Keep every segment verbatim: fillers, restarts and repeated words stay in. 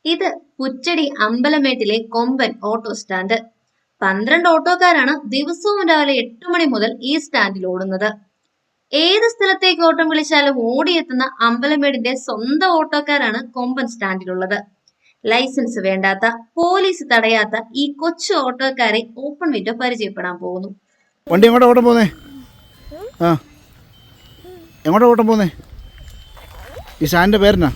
ഇത് പുറ്റടി അമ്പലമേട്ടിലെ കൊമ്പൻ auto stand. പന്ത്രണ്ട് ഓട്ടോക്കാരാണ് ദിവസവും രാവിലെ എട്ട് മണി മുതൽ ഈ സ്റ്റാൻഡിൽ ഓടുന്നത്. ഏത് സ്ഥലത്തേക്ക് ഓട്ടം വിളിച്ചാലും ഓടിയെത്തുന്ന അമ്പലമേടിന്റെ സ്വന്തം ഓട്ടോക്കാരാണ് കൊമ്പൻ സ്റ്റാൻഡിലുള്ളത്. ലൈസൻസ് വേണ്ടാത്ത, പോലീസ് തടയാത്ത ഈ കൊച്ചു ഓട്ടോക്കാരെ ഓപ്പൺ വിൻഡോ പരിചയപ്പെടാൻ പോകുന്നു. വണ്ടി എങ്ങോട്ടാ ഓട്ടം പോന്നേ? ആ എങ്ങോട്ടാ ഓട്ടം പോന്നേ? ഈ സ്റ്റാൻഡിന്റെ പേരെന്നാ?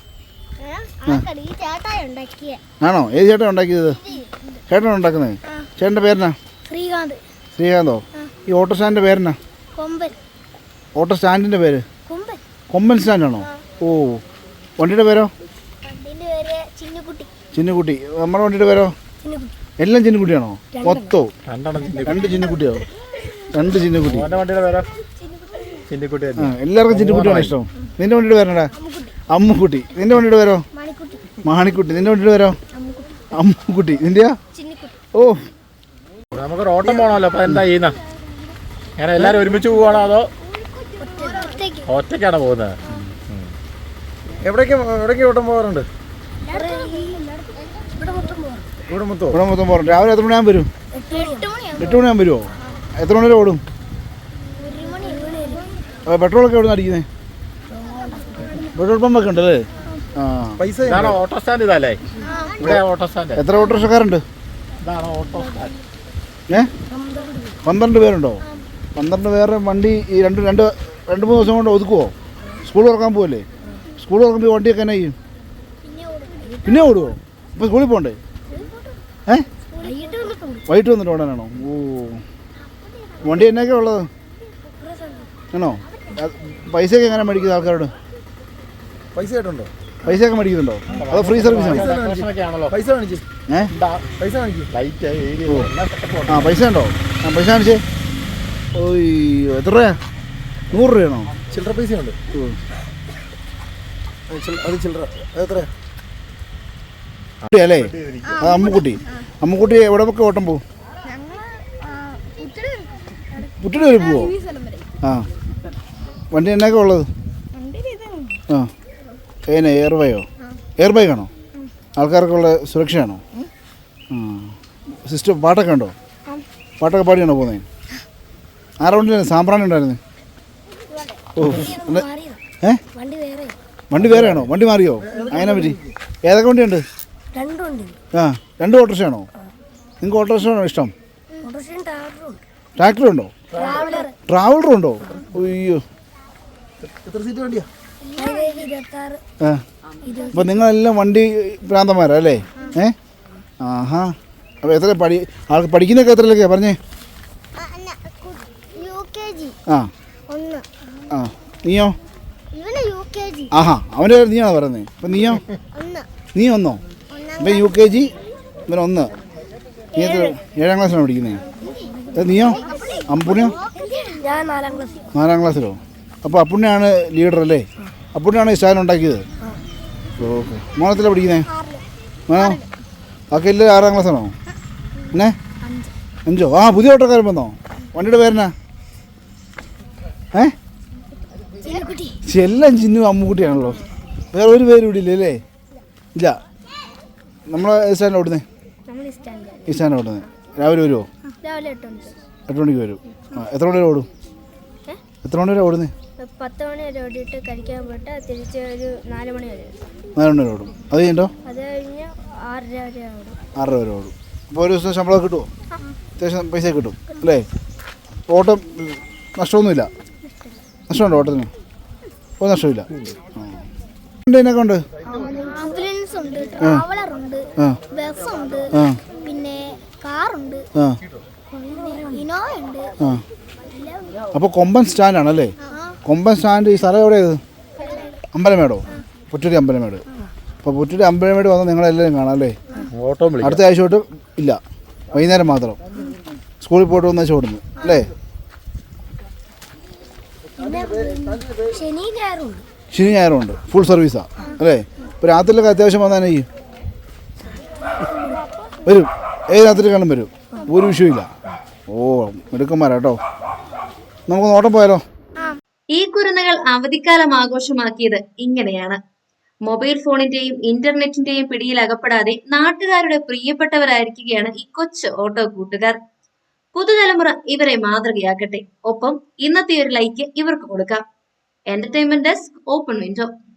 ആണോ? ഏത് ചേട്ടൻ ഉണ്ടാക്കിയത്? ചേട്ടനാണ് ഉണ്ടാക്കുന്നത്? ചേട്ടൻ്റെ പേരെന്നാ? ശ്രീകാന്ത്. ശ്രീകാന്തോ? ഈ ഓട്ടോ സ്റ്റാൻഡിൻ്റെ പേരെന്നാ? ഓട്ടോ സ്റ്റാൻഡിൻ്റെ പേര് കൊമ്പൻ സ്റ്റാൻഡാണോ? ഓ, വണ്ടിയുടെ പേരോ? ചിന്നുകുട്ടി. നമ്മുടെ വണ്ടിയുടെ പേരോ? എല്ലാം ചിന്നുകുട്ടിയാണോ? മൊത്തോ രണ്ട് ചിന്നുകുട്ടിയോ? രണ്ട് ചിന്നുകുട്ടി. ആ, എല്ലാവർക്കും ചിന്നുകുട്ടിയാണോ ഇഷ്ടം? നിന്റെ വണ്ടിയുടെ പേരെന്നാ? അമ്മുക്കുട്ടി. നിന്റെ വണ്ടിയുടെ പേരോ? മാണിക്കുട്ടി. നിന്റെ വണ്ടിയുടെ പേരോ? അമ്മുക്കുട്ടി. നിന്റെയാ? ഓ, നമുക്കൊരു ഓട്ടം പോകണമല്ലോ. അപ്പൊ എന്താ ചെയ്യുന്ന? അങ്ങനെ എല്ലാരും ഒരുമിച്ച് പോവാണോ അതോ ഒറ്റയ്ക്കാണോ പോകുന്നത്? എവിടേക്ക് എവിടേക്ക് ഓട്ടം പോകാറുണ്ട്? ഇവിടെ മൊത്തം ഇവിടെ മൊത്തം പോകണം. രാവിലെ എത്ര മണിയാകുമ്പോൾ വരും? എട്ട് മണിയാകുമ്പോൾ വരുമോ? എത്ര മണി വരെ ഓടും? പെട്രോളൊക്കെ എവിടെ നിന്ന് അടിക്കുന്നത്? പെട്രോൾ പമ്പൊക്കെ ഉണ്ടല്ലേ? ആ, പൈസ ഓട്ടോ സ്റ്റാൻഡ് ഇതല്ലേ? ഇവിടെ ഓട്ടോ സ്റ്റാൻഡ്. എത്ര ഓട്ടോറിക്ഷക്കാരുണ്ട്? ഇതാണ് ഓട്ടോ സ്റ്റാൻഡ്. ഏ, പന്ത്രണ്ട് പേരുണ്ടോ? പന്ത്രണ്ട് പേരുടെ വണ്ടി ഈ രണ്ട് രണ്ട് രണ്ട് മൂന്ന് ദിവസം കൊണ്ട് ഒതുക്കുമോ? സ്കൂൾ തുറക്കാൻ പോവല്ലേ? സ്കൂൾ തുറക്കുമ്പോൾ വണ്ടിയൊക്കെ എന്നാ ചെയ്യും? പിന്നെ ഓടുമോ? ഇപ്പോൾ സ്കൂളിൽ പോകണ്ടേ? ഏ, വൈകിട്ട് വന്നിട്ട് ഓടാനാണോ? ഓ, വണ്ടി എന്നൊക്കെ ഉള്ളത് ആണോ? പൈസയൊക്കെ എങ്ങനെ മേടിക്കുന്നത് ആൾക്കാരോട്? പൈസ ആയിട്ടുണ്ടോ? പൈസയൊക്കെ മേടിക്കുന്നുണ്ടോ? അതോ ഫ്രീ സർവീസ് ആണോ? പൈസ കാണിച്ചു. ഏ, പൈസ കാണിക്കും. ആ, പൈസ ഉണ്ടോ? ആ, പൈസ കാണിച്ചേ. ഓയ്, എത്ര രൂപയാ? നൂറ് രൂപയാണോ? ചില്ലറ പൈസ ഉണ്ട്. അത് ചില്ലറ എത്രയാ അല്ലേ? അത് അമ്മുക്കുട്ടി. അമ്മുക്കുട്ടി എവിടെ ഒക്കെ ഓട്ടം പോവും? പുറ്റടി വരെ പോവോ? ആ, വണ്ടി എന്നൊക്കെ ഉള്ളത്? ആ, ഏന എയർ ബൈയോ? എയർ ബൈക്കാണോ? ആൾക്കാർക്കുള്ള സുരക്ഷയാണോ? ആ, സിസ്റ്റം പാട്ടൊക്കെ ഉണ്ടോ? പാട്ടൊക്കെ പാടിയാണോ പോകുന്നത്? ആരാ വണ്ടിയിലായിരുന്നു? സാമ്പ്രാണി ഉണ്ടായിരുന്നു. ഓ, ഏ, വണ്ടി വേറെയാണോ? വണ്ടി മാറിയോ? അങ്ങനെ പറ്റി? ഏതൊക്കെ വണ്ടിയുണ്ട്? ആ, രണ്ട് ഓട്ടോറിക്ഷയാണോ? നിങ്ങൾക്ക് ഓട്ടോറിക്ഷയാണോ ഇഷ്ടം? ട്രാക്ടറുണ്ടോ? ട്രാവലറും ഉണ്ടോ? അയ്യോ, എത്ര സീറ്റ് വണ്ടിയാ? ആ, അപ്പോൾ നിങ്ങളെല്ലാം വണ്ടി ഭ്രാന്തന്മാരാ അല്ലേ? ഏ, ആഹാ. അപ്പോൾ എത്ര പഠി ആൾക്ക് പഠിക്കുന്നതൊക്കെ എത്രയിലൊക്കെയാണ് പറഞ്ഞേ? ആ ആ, നീയോ? ആഹാ, അവൻ്റെ പേര് നീയാണോ പറയുന്നത്? അപ്പം നീയോ? നീ ഒന്നോ? ഇപ്പം യു കെ ജി, ഇവൻ ഒന്ന്. നീ എത്ര ഏഴാം ക്ലാസ്സിലാണ് പഠിക്കുന്നത്? നീയോ? അപ്പുണ്യോ? നാലാം ക്ലാസ്സിലോ? അപ്പോൾ അപ്പുണ്യാണ് ലീഡർ അല്ലേ? അപ്പുണ്യാണ് ഈ സ്റ്റാൻഡ് ഉണ്ടാക്കിയത്? ഓക്കെ. മോളത്തിലാണ് പഠിക്കുന്നത്? ആണോ? ബാക്കി എല്ലാവരും ആറാം ക്ലാസ്സാണോ? പിന്നെ അഞ്ചോ? ആ, പുതിയ ഓട്ടോക്കാരൻ വന്നോ? വണ്ടിയുടെ പേരെന്നാ? ഏ, എല്ലാം ചിന്നു അമ്മുക്കുട്ടിയാണല്ലോ. വേറെ ഒരു പേര് ഇവിടെ ഇല്ലേ? അല്ലേ? ഇല്ല. നമ്മളെ സ്റ്റാൻഡിൽ ഓടുന്നേ? ഈ സ്റ്റാൻഡിൽ ഓടുന്നത് രാവിലെ വരുമോ? എട്ട് മണിക്ക് വരും. ആ, എത്ര മണി വരെ ഓടും? എത്ര മണി വരെ ഓടുന്നേ? പത്ത് മണി വരെ ഓടിയിട്ട് കഴിക്കാൻ പോയിട്ട് തിരിച്ച് ഒരു നാല് മണി വരെ നാല് മണി വരെ ഓടും. അത് കഴിഞ്ഞോ? അത് കഴിഞ്ഞ് ആറര വരെ ഓടും. ആറര വരെ ഓടും. അപ്പോൾ ഒരു ദിവസം ശമ്പളം കിട്ടുമോ? അത്യാവശ്യം പൈസ കിട്ടും അല്ലേ? ഓട്ടം നഷ്ടമൊന്നുമില്ല? നഷ്ടമുണ്ടോ ഓട്ടത്തിന്? ഒരു നഷ്ടമില്ല. ഇതിനൊക്കെ ഉണ്ട്. ആംബുലൻസ് ഉണ്ട്, ട്രാവലർ ഉണ്ട്, ബസ് ഉണ്ട്, പിന്നെ കാറുണ്ട്, ഇനോവ ഉണ്ട്. ആ, അപ്പോൾ കൊമ്പൻ സ്റ്റാൻഡാണല്ലേ? കൊമ്പൻ സ്റ്റാൻഡ്. ഈ സ്ഥലം എവിടെയത്? അമ്പലമേടോ? പുറ്റടി അമ്പലമേട്. അപ്പോൾ പുറ്റടി അമ്പലമേട് വന്നാൽ നിങ്ങളെല്ലാവരും കാണാം അല്ലേ? ഓട്ടോ അടുത്ത ആഴ്ച തൊട്ട് ഇല്ല, വൈകുന്നേരം മാത്രം. സ്കൂളിൽ പോയിട്ട് വന്ന ആഴ്ച ഓടുന്നു അല്ലേ? ശനി ഞായറുണ്ട്. ശനി ഞായറും ഉണ്ട്. ഫുൾ സർവീസാണ് അല്ലേ? ഇപ്പോൾ രാത്രിയിലൊക്കെ അത്യാവശ്യം വന്നാൽ ഈ വരും. ഏത് രാത്രി കാണും വരും. ഒരു വിഷയമില്ല. ഓ, മിടുക്കന്മാരാട്ടോ. നമുക്ക് ഓട്ടം പോയാലോ? ഈ കുരുന്നുകൾ അവധിക്കാലം ആഘോഷമാക്കിയത് ഇങ്ങനെയാണ്. മൊബൈൽ ഫോണിന്റെയും ഇന്റർനെറ്റിന്റെയും പിടിയിൽ അകപ്പെടാതെ നാട്ടുകാരുടെ പ്രിയപ്പെട്ടവരായിരിക്കുകയാണ് ഈ കൊച്ചു ഓട്ടോ കൂട്ടുകാർ. പുതുതലമുറ ഇവരെ മാതൃകയാക്കട്ടെ. ഒപ്പം ഇന്നത്തെ ഒരു ലൈക്ക് ഇവർക്ക് കൊടുക്കാം. Entertainment desk, open window.